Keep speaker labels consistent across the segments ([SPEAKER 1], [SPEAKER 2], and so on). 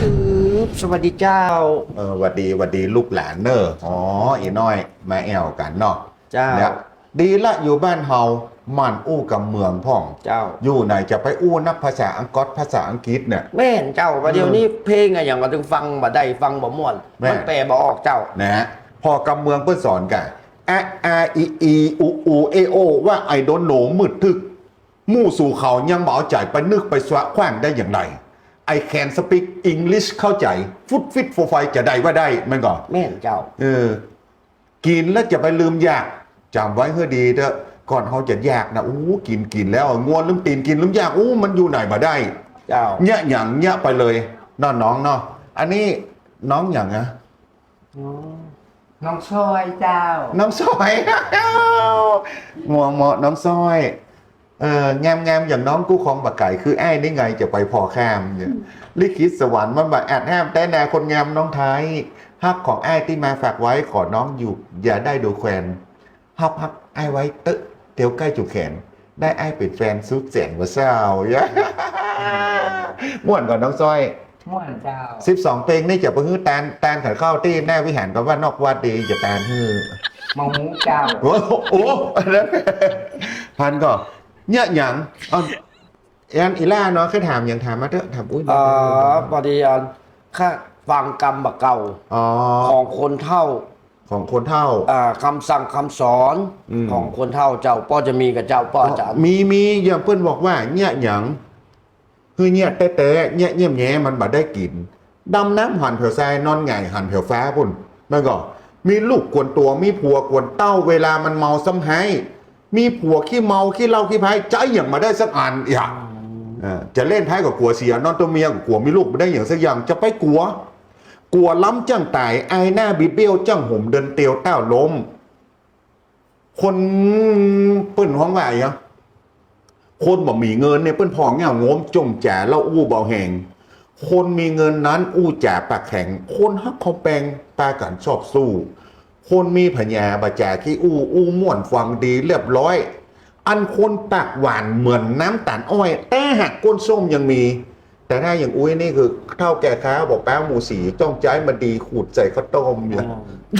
[SPEAKER 1] สวัสดีเจ้า
[SPEAKER 2] หวัดดีลูกหลานเนออ๋ออีน้อยมาแอวกันเนาะ
[SPEAKER 1] เจ้า
[SPEAKER 2] เนี่ยดีละอยู่บ้านเฮามันอู้กับเมืองพ่อง
[SPEAKER 1] เจ้า
[SPEAKER 2] อยู่ไหนจะไปอู้นักภาษาอังกฤษภาษาอังกฤษเนี่ย
[SPEAKER 1] แม่นเจ้าประเดี๋ยวนี้เพลงอะอย่างก็ถึงฟังบ่ได้ฟังบ่ม่วนมันแปลบ่ออกเจ้า
[SPEAKER 2] นะฮะพอกับเมืองเพื่อสอนกันอูเอโอว่าไอโดนโหนมืดทึกมู่สู่เขายังบ่เอาใจไปนึกไปสวะแขว้งได้อย่างไรI can speak English เข้าใจฟุตฟิตโฟไฟจะได้ว่าได้มันก่อน
[SPEAKER 1] แม่นเจ้า
[SPEAKER 2] กินแล้วจะไปลืมอยากจำไว้เพื่อดีเถอะก่อนเขาจะอยากนะกินแล้วงวนลืมตีนกินลืมอยากมันอยู่ไหนมาได้
[SPEAKER 1] เจ้า
[SPEAKER 2] เนี่ยอย่างเนี่ยไปเลยน้องเนาะอันนี้น้องอย่างนะ
[SPEAKER 3] น้องซอยเจ้า
[SPEAKER 2] น้องซอยงัวเหมาะน้องซอยงามอย่างน้องกู้ของบักไก่คือไอ้นี่ไงจะไปพอข้ามเนี่ยลิขิตสวรรค์มันแบบแอดแฮมแต่แนคนงามน้องไทยฮักของไอ้ที่มาฝากไว้ขอน้องอยู่อย่าได้ดูแควนฮักไอ้ไว้ตึ๊ะเตียวใกล้จุกแขนได้ไอ้เป็นแฟนสุดแสนว่าเศร้าม่วนก่อนน้องซอย
[SPEAKER 3] ม่วนเจ้า
[SPEAKER 2] 12เพลงนี่จะไปฮื้อแตนขันเข้าที่แน่วิหารก็ว่านอกว่าดีจะแตนฮื้อ
[SPEAKER 3] มาหูเจ้า
[SPEAKER 2] โอ้พันก็เนี่ยอย่างอีล่าเนาะเคยถามอย่างถามมาเถอะถาม
[SPEAKER 1] พอดีค่าฟังกรรมบักเก่าของคนเฒ่าคำสั่งคำสอนของคนเฒ่าเจ้าป้อจะมีกับเจ้าป้ออาจารย์
[SPEAKER 2] มีอย่างเพื่อนบอกว่าเนี่ยอย่างคือเนี่ยแต่เนี่ยเยี่ยมแย่มันบ่ได้กินดำน้ำหันเผือทรายนอนไงหันเผือฟ้าปุ่นมันก็มีลูกกวนตัวมีผัวกวนเต้าเวลามันเมาซ้ำไห้มีผัวขี้เมาขี้เหล้าขี้พายใจอย่างมาได้สักอันอย่างจะเล่นไพ่กับกลัวเสียนอนตัวเมียกับกลัวมีลูกไม่ได้อย่างสักอย่างจะไปกลัวล้ำจังตายไอหน้าบิดเบี้ยวจังห่มเดินเตียวเต้าล้มคนเปิ้นห้องว่าอย่างคนบ่มีเงินเนี่ยเปิ้นพองเงางมจงแจ๋แล้วอู้เบาแหงคนมีเงินนั้นอู้แจ๋ปากแข็งคนฮักเขาแปลงปากันชอบสู้คนมีพญาบาจาขี้อู้ม่วนฟังดีเรียบร้อยอันคนปากหวานเหมือนน้ำตาลอ้อยแต่หักก้นส้มยังมีแต่ถ้าอย่างอุ้ยนี่คือเท่าแก่ค้าบอกแป้งหมูสีจ้องใจมาดีขูดใส่ข้าวต้มอย่าง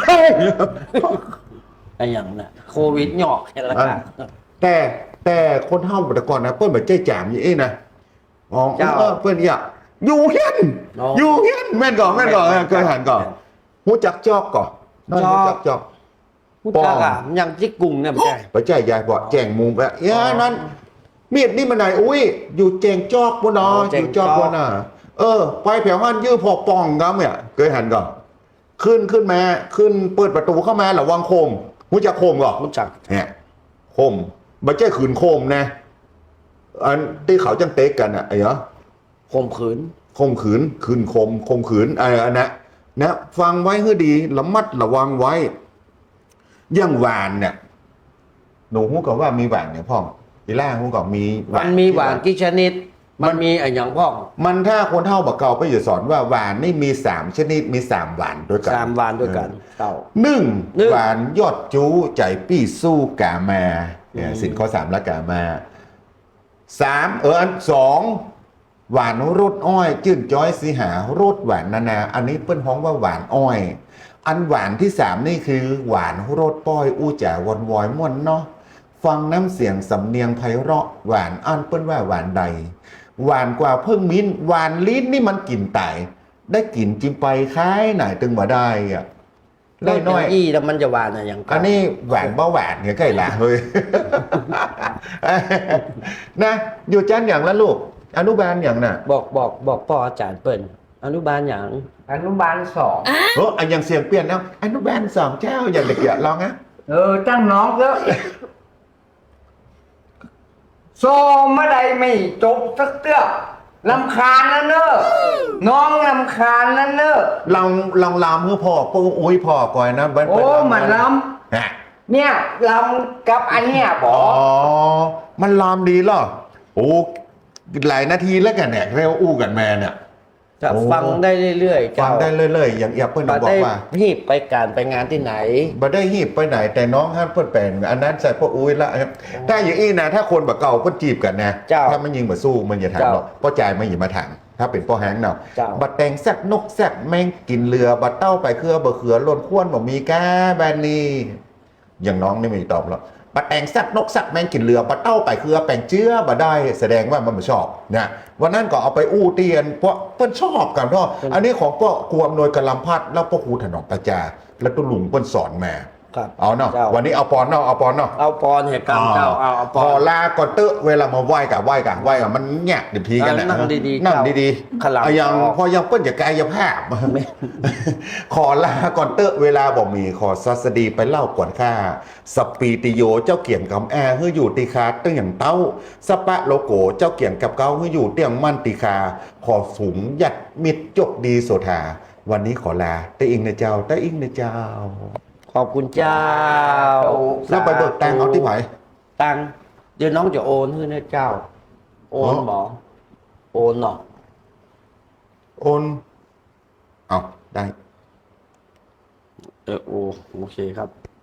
[SPEAKER 1] ไอ้อย่างน่ะโควิดหยอกแค่ละกัน
[SPEAKER 2] แต่คนเท่าแต่ก่อนนะเปิ้ลแบบใจแจ่มอย่างนี้นะเปิ้ลอยากอยู่เฮียนแม่นก่อนเคยหันก่อนหูจักจอกก่อนจอก
[SPEAKER 1] พูดจาอย่างจิกกุ่งเนี่ยไม่ใช่
[SPEAKER 2] ไปใจยายบอกแจงมุมแบบนั้นมีดนี่มันไหนอุ้ยอยู่แจงจอกบนนออยู่จอกบนน่ะไปแผวหันยื้อพอปองกันเนี่ยเคยหันก่อนขึ้นมาเปิดประตูเข้ามาหรอวางโคมหูจักโคมก่อน
[SPEAKER 1] หูจัก
[SPEAKER 2] เนี่ยโคมไม่ใช่ขืนโคมนะอันที่เขาจังเต๊กกันอ่ะไอ้เหรอ
[SPEAKER 1] ข่มขืน
[SPEAKER 2] ขืนข่มขืนอันนะฟังไว้ให้ดีระมัดระวังไว้อย่างหวานเนี่ยหนูพูดกับว่ามีหวานเนี่ยพ่ออีล่าพูดกับมี
[SPEAKER 1] มันมีหวานกี่ชนิดมันมีอย่างพ่อ
[SPEAKER 2] มันถ้าคนเท่าบักเก่าไปอยู่สอนว่าหวานนี่มี3ชนิดมี3หวานด้วยกัน
[SPEAKER 1] 3หวานด้วยกันเต่า
[SPEAKER 2] 1หวานยอดจู้ใจปี้สู้กามาสินข้อ3และกามา3อัน2หวานรสอ้อยจื่นจ้อยสีหารสหวานนาอันนี้เปิ้นฮ้องว่าหวานอ้อยอันหวานที่3นี่คือหวานรสป้อยอู้จ๋าวนวอยม่วนเนาะฟังน้ำเสียงสำเนียงไพเราะหวานอันเปิ้นว่าหวานใดหวานกว่าเพิ่งมิ้นหวานลิ้นนี่มันกลิ่นไต่ได้กลิ่นจิ้มไปคล้ายไหนตึงมาได้อ่ะ
[SPEAKER 1] ได้น้อยแล้วมันจะหวานอะไรอย่าง
[SPEAKER 2] อันนี้หวานเบาหวานเนี่ยใกล้ละเฮ้ยนะอยู่จันอย่างละลูกอนุบาลอย่างน่ะ
[SPEAKER 1] บอกพ่ออาจารย์เปิ้นอนุบาลอย่าง
[SPEAKER 3] อนุบาล2
[SPEAKER 2] อันยังเสียงเปลี่ยนแล้วอนุบาล2เจ้าอย่างเด็กอย่าลองนะ
[SPEAKER 3] ตั้งน้องแล้วโซไม่ได้ไม่จบสักเตื้อลำคาญนั่นเนอะน้องลำคาญนั่นเนอะ
[SPEAKER 2] ลองลำเพื่อพ่ออุ้ยพ่อก่อนนะ
[SPEAKER 3] มันลำเนี่ยลำกับอันเนี้ยบอก
[SPEAKER 2] มันลำดีเหรอหลายนาทีแล้วกันเนี่ยเร็วอู้กันแม่เนี่ย
[SPEAKER 1] จะฟังได้เรื่อยๆ
[SPEAKER 2] ฟังได้เรื่อยๆอย่างเปิ้ลบอกว่า
[SPEAKER 1] ฮีบไปการไปงานที่ไหน
[SPEAKER 2] บ่ได้ฮีบไปไหนแต่น้องห้ามเปิ้ลแปลงอันนั้นใส่พวกอุ้ยละถ้าอย่างอี้นะถ้าคนแบบเก่าเปิ้ลจีบกันนะถ้ามันยิงมาสู้มันอย่าถามหรอกเพราะใจมันอย่ามาถามถ้าเป็นป้อแห้งเนาะ
[SPEAKER 1] เจ้า
[SPEAKER 2] บัดแตงแซกนกแซกแมงกินเรือบัดเต้าไปเครือบะเขือล้นข้วนบ่มีแก้แบนนี่อย่างน้องนี่ไม่ตอบแล้วบัดแตงแซกนกแซกแมงกินเรือบัดเต้าไปเครือแปลงเจื้อบัดได้แสดงว่ามันไม่ชอบนะวันนั้นก็เอาไปอู้เตียนเพราะเปิ้นชอบกันเนาะอันนี้ของป้อครูอำนวยกำลังพัดแล้วป้อครูถนอมประจาแล้วตัวลุงเปิ้นสอนมา
[SPEAKER 1] ครับ
[SPEAKER 2] เอาเนาะ
[SPEAKER 1] เจ้า
[SPEAKER 2] วันนี้เอาปอนเนาะเอาปอนเนาะ
[SPEAKER 1] เอาปอนเหตุการณ์เจ้าเอาป
[SPEAKER 2] พ
[SPEAKER 1] อ
[SPEAKER 2] อน ลาก่อนเตอะเวลามาไหว้กับมันแงะดิบทีกันนะ
[SPEAKER 1] นั่งดีๆ
[SPEAKER 2] นั่ง
[SPEAKER 1] เจ้า
[SPEAKER 2] ดี
[SPEAKER 1] ขลัง
[SPEAKER 2] เอายัง
[SPEAKER 1] ออก
[SPEAKER 2] พอยังเปิ้นจะกายภาพ ขอลาก่อนเตอะเวลาบอกมีขอสัสดีไปเล่าก่อนข้าสปีติโยเจ้าเกี่ยงกำแอเฮืออยู่ตีคาตึ้งอย่างเต้าสปะโลโกเจ้าเกี่ยงกับเก้าเฮืออยู่เตียงมั่นตีคาขอสูงหยัดมิดจกดีโสธาวันนี้ขอลาแต่อิงนะเจ้าแต่อิงนะเจ้า
[SPEAKER 1] ขอบคุณเจ้า
[SPEAKER 2] แล้วไปเบิกตังค์เอาที่ไหน
[SPEAKER 1] ตังค์เดี๋ยวน้องจะโอนให้นะเจ้า โอนหมอโอนเนาะ
[SPEAKER 2] โอนเอาได้
[SPEAKER 1] โอเคครับ